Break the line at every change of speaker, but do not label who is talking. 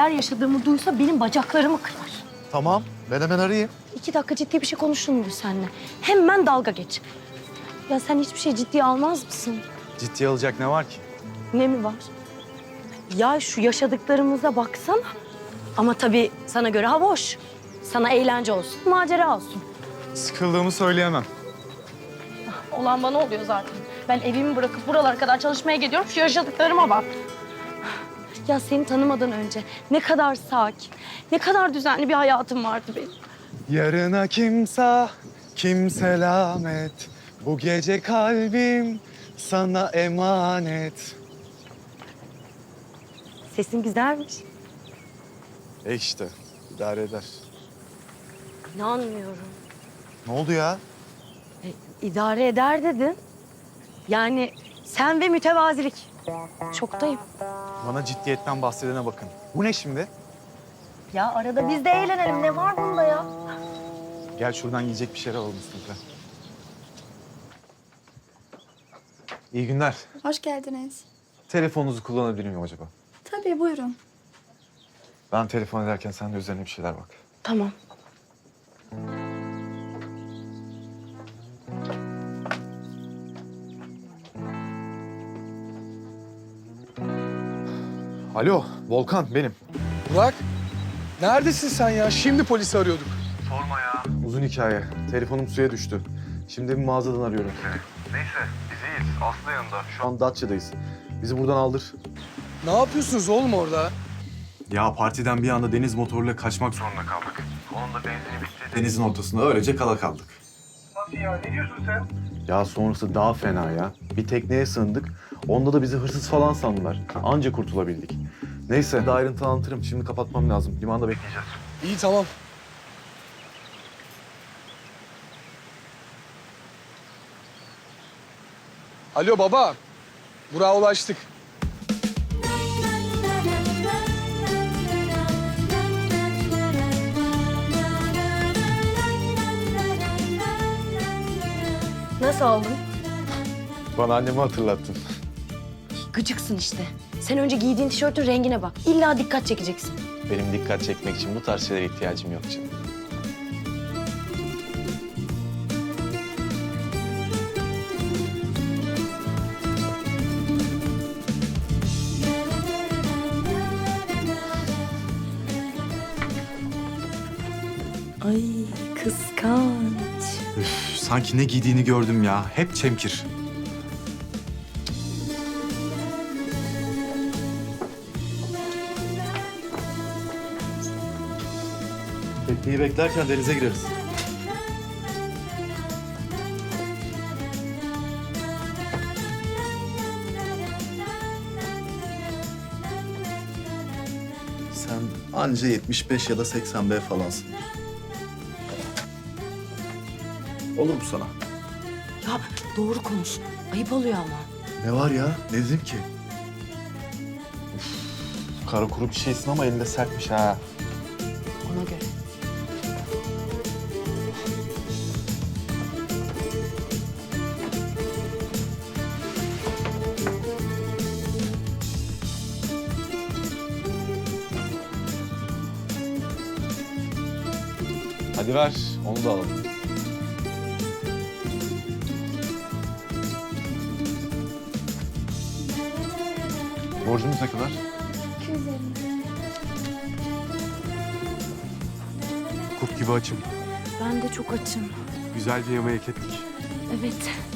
neler yaşadığımı duysa benim bacaklarımı kırar.
Tamam, ben hemen arayayım.
2 dakika ciddi bir şey konuşun mu seninle? Hemen dalga geç. Ya sen hiçbir şey ciddiye almaz mısın?
Ciddiye alacak ne var ki?
Ne mi var? Ya şu yaşadıklarımıza baksana. Ama tabii sana göre hava hoş. Sana eğlence olsun, macera olsun.
Sıkıldığımı söyleyemem.
Olan bana oluyor zaten. Ben evimi bırakıp buralara kadar çalışmaya gidiyorum. Şu yaşadıklarıma bak. Ya seni tanımadan önce ne kadar sakin, ne kadar düzenli bir hayatım vardı benim.
Yarına kimse, kim selamet. Bu gece kalbim sana emanet.
Sesin güzelmiş.
İşte, idare eder.
İnanmıyorum.
Ne oldu ya?
İdare eder dedin. Yani sen ve mütevazilik. Şoktayım.
Bana ciddiyetten bahsedene bakın. Bu ne şimdi?
Ya arada biz de eğlenelim. Ne var bunda ya?
Gel şuradan yiyecek bir şeyler alalım Mustafa. İyi günler.
Hoş geldiniz.
Telefonunuzu kullanabilir miyim acaba?
Tabii buyurun.
Ben telefon ederken sen de üzerine bir şeyler bak.
Tamam.
Alo, Volkan benim.
Burak, neredesin sen ya? Şimdi polisi arıyorduk.
Uzun hikaye. Telefonum suya düştü. Şimdi bir mağazadan arıyorum.
Neyse, biz iyiyiz. Aslı yanında.
Şu an Datça'dayız. Bizi buradan aldır.
Ne yapıyorsunuz oğlum orada?
Ya partiden bir anda deniz motoruyla kaçmak
Zorunda kaldık. Onun da benzini bitti.
denizin ortasında öylece kala kaldık.
Nasıl ya? Ne diyorsun sen?
Ya sonrası daha fena ya. Bir tekneye sığındık. Onda da bizi hırsız falan sandılar. Anca kurtulabildik. Neyse daha ayrıntılı anlatırım. Şimdi kapatmam lazım. Limanda bekleyeceğiz.
İyi tamam. Alo baba. Burak'a ulaştık.
Nasıl oldun?
Bana annemi hatırlattın.
Gıcıksın işte. Sen önce giydiğin tişörtün rengine bak. İlla dikkat çekeceksin.
Benim dikkat çekmek için bu tarz şeylere ihtiyacım yok canım.
Ay kıskanç.
Üf, sanki ne giydiğini gördüm ya. Hep çemkir. Tekneyi beklerken denize gireriz.
Sen anca 75 ya da 80 B falansın. Olur mu sana?
Ya doğru konuş. Ayıp oluyor ama.
Ne var ya? Ne dedim ki?
Kara kuru bir şeysin ama elinde sertmiş ha.
Ona göre.
Hadi ver, onu da alalım. Borcumuz ne kadar?
250.
Kurt gibi açım.
Ben de çok açım.
Güzel bir yemeğe hak ettik.
Evet.